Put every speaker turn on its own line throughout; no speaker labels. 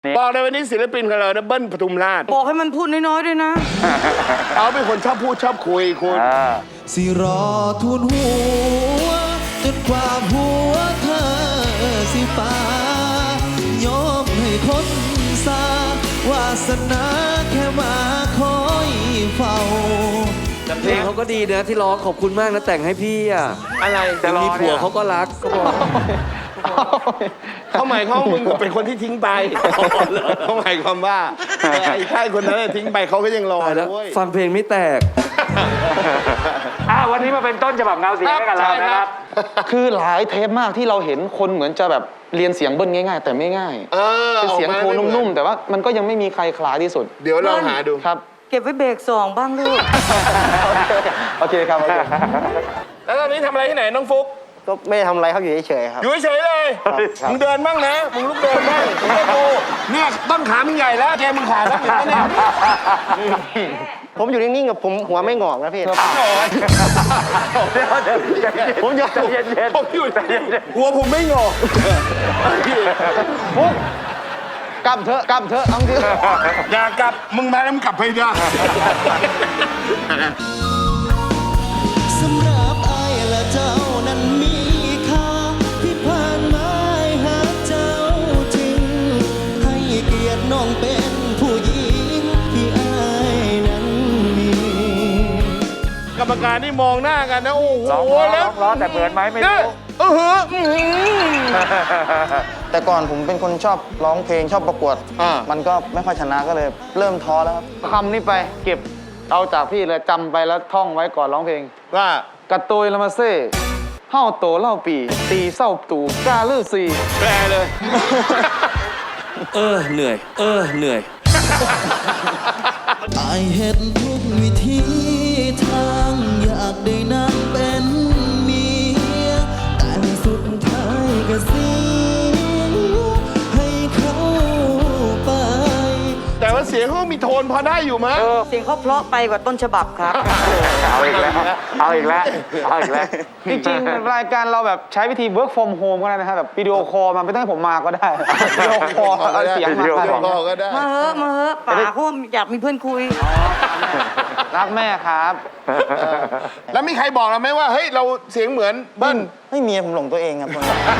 บอกเลยวันนี้ศิลปินของเรานะเบิ้ลปทุมราช
บอกให้มันพูดน้อยๆด้วยนะ
เขาเป็นคนชอบพูดชอบคุยคุณ
สิรอทูลหัวจนกว่าหัวเธอสิฟ้ายอมให้คนสาวาสนาแค่มาคอยเฝ้า
เพลงเขาก็ดีนะที่ร้องขอบคุณมากนะแต่งให้พี่อ่ะ
อะไร
แต่มีผัวเขาก็รักก็บอก
เขาหมายความมึงเป็นคนที่ทิ้งไปเขาหมายความว่าไอ้ชายคนนั้นทิ้งไปเขาก็ยังรอด้วย
ฟังเพลงไม่แตก
วันนี้มาเป็นต้นฉบับเงาเสียงให้กับเรานะครับ
คือหลายเทปมากที่เราเห็นคนเหมือนจะแบบเรียนเสียงเบิ้ลง่ายๆแต่ไม่ง่ายเป็นเสียงโทนนุ่มๆแต่ว่ามันก็ยังไม่มีใครคล้ายที่สุด
เดี๋ยวเราหาดู
ครับ
เก็บไว้เบรก2บ้างลูก
โอเคครับ
แล้วตอนนี้ทำอะไรที่ไหนน้องฟุ๊ก
ก็ไม่ทำอะไรครับอยู่เฉยๆครับ
อยู่เฉยเลยมึงเดินบ้างนะมึงลุกเดินบ้างมึงให้กูเนี่ยต้นขามึงใหญ่แล้วแกมึงขาแล้วเนี่ย
ผมอยู่นิ่งๆกับผมหัวไม่งอกนะพี่ผมอยู่
ผมอยู่หัวผมไม่งอก
ฟุ๊กกลับเถอะเอาจริง
อย่ากลับมึงมาแล้วมึงกลับไปได้
สำหรับไอ้และเจ้านั้นมีค่าที่ผ่านมาหาเจ้าจริงให้เกียรติน้องเป็นผู้หญิงที่ไอ้นั้นมี
กรรมการนี่มองหน้ากันนะโอ้โห
แล้วร้องแต่เหมือนไหมไม่รู้
แต่ก่อนผมเป็นคนชอบร้องเพลงชอบประกวดมันก็ไม่ค่อยชนะก็เลยเริ่มท้อแล้วครับคำนี้ไปเก็บเอาจากพี่เลยจำไปแล้วท่องไว้ก่อนร้องเพลง
ว่
ากระตุยละมาเซ่เฮ้าโตเล่าปีตีเศร้าตู่กาลือซี
แปลเลย
เหนื่อยเหนื่อย
ไอเห็นทุกวิธีทางอยากได้นางเป็นเมียแต่สุดท้ายก็เสียให้เขาไป
แต่ว่าเสียงเขามีโทนพอได้อยู่มั้ย
เสียงเขาเพราะไปกว่าต้นฉบับครับ
เอาอีกแล้ว
จริงๆรายการเราแบบใช้วิธี work from home ก็ได้นะครับแบบวิดีโอคอลมาไม่ต้องให้ผมมาก็ได้วิดีโอคอลเอาเสียงมา
ก็ได้
มาเฮ้อะป๋าเขาอยากมีเพื่อนคุย
รักแม่ครับ
แล้วมีใครบอกเราไหมว่าเฮ้ยเราเสียงเหมือนเบิ้ล
ไม่มีผมหลงตัวเองครับ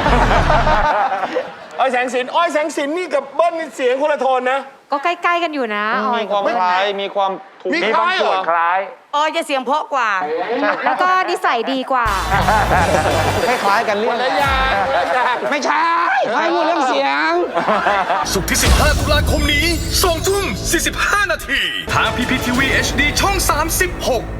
อ้อยแสงสินนี่กับเบิ้ลนี่เสียงคนละโทนนะ
ก็ใกล้ๆกันอยู่นะ
มีความคล้ายมีความถูก
มีคล้ายเหรอ
คล้าย
จะเสียงเพราะกว่า
แล้วก็นิสัยดีกว่า
คล้ายๆกันเรื่อง
อะไรอย่าง
ไม่ใช่ให้พูดเรื่องเสียง
ศุกร์ที่15 ตุลาคมนี้ 20:45 นาทีทาง PPTV HD ช่อง 36